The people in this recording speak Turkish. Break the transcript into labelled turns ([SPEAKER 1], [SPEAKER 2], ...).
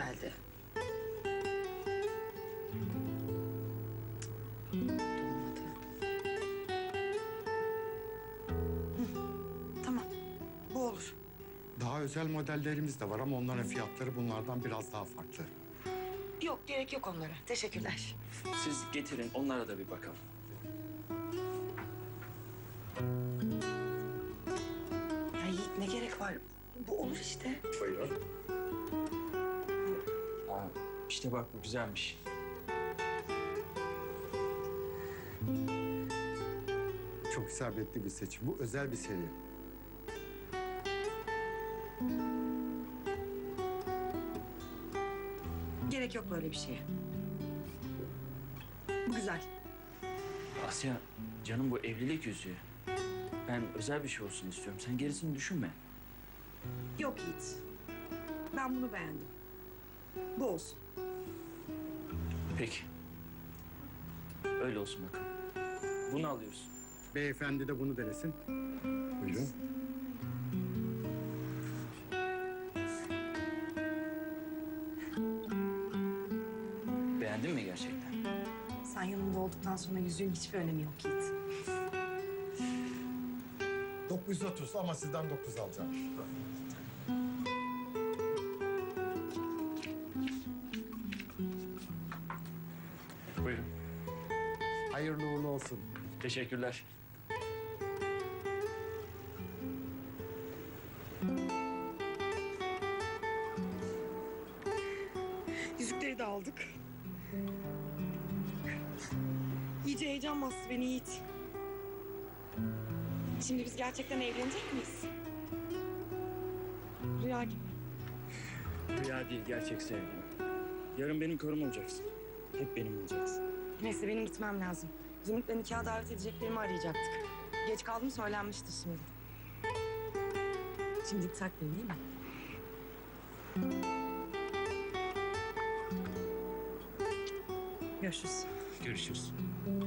[SPEAKER 1] geldi. Dolmadı.
[SPEAKER 2] Tamam. Bu olur.
[SPEAKER 3] Daha özel modellerimiz de var ama onların fiyatları bunlardan biraz daha farklı.
[SPEAKER 2] Yok, gerek yok onlara. Teşekkürler.
[SPEAKER 4] Siz getirin, onlara da bir bakalım.
[SPEAKER 2] Ya Yiğit, ne gerek var? Bu olur işte.
[SPEAKER 3] Buyurun.
[SPEAKER 4] Aa, işte bak bu güzelmiş.
[SPEAKER 3] Çok isabetli bir seçim. Bu özel bir seri.
[SPEAKER 2] Gerek yok böyle bir şeye. Bu güzel.
[SPEAKER 4] Asya, canım bu evlilik yüzüğü. Ben özel bir şey olsun istiyorum. Sen gerisini düşünme.
[SPEAKER 2] Yok Yiğit. Ben bunu beğendim. Bu olsun.
[SPEAKER 4] Peki. Öyle olsun bakalım. Bunu alıyorsun.
[SPEAKER 3] Beyefendi de bunu denesin. Buyurun.
[SPEAKER 4] Beğendin mi gerçekten?
[SPEAKER 2] Sen yanımda olduktan sonra yüzüğün hiçbir önemi yok Yiğit.
[SPEAKER 3] 930 ama sizden 9 alacağım.
[SPEAKER 4] Buyurun.
[SPEAKER 3] Hayırlı uğurlu olsun.
[SPEAKER 4] Teşekkürler.
[SPEAKER 2] Yüzükleri de aldık. İyice heyecan bastı beni Yiğit. Şimdi biz gerçekten evlenecek miyiz? Rüya gibi.
[SPEAKER 4] Rüya değil, gerçek sevgilim. Yarın benim karım olacaksın. Hep benim olacaksın.
[SPEAKER 2] Neyse benim gitmem lazım. Zümrüt'le nikaha davet edeceklerimi arayacaktık. Geç kaldım söylenmişti şimdi. Şimdi saklayayım değil mi? Görüşürüz.
[SPEAKER 4] Görüşürüz.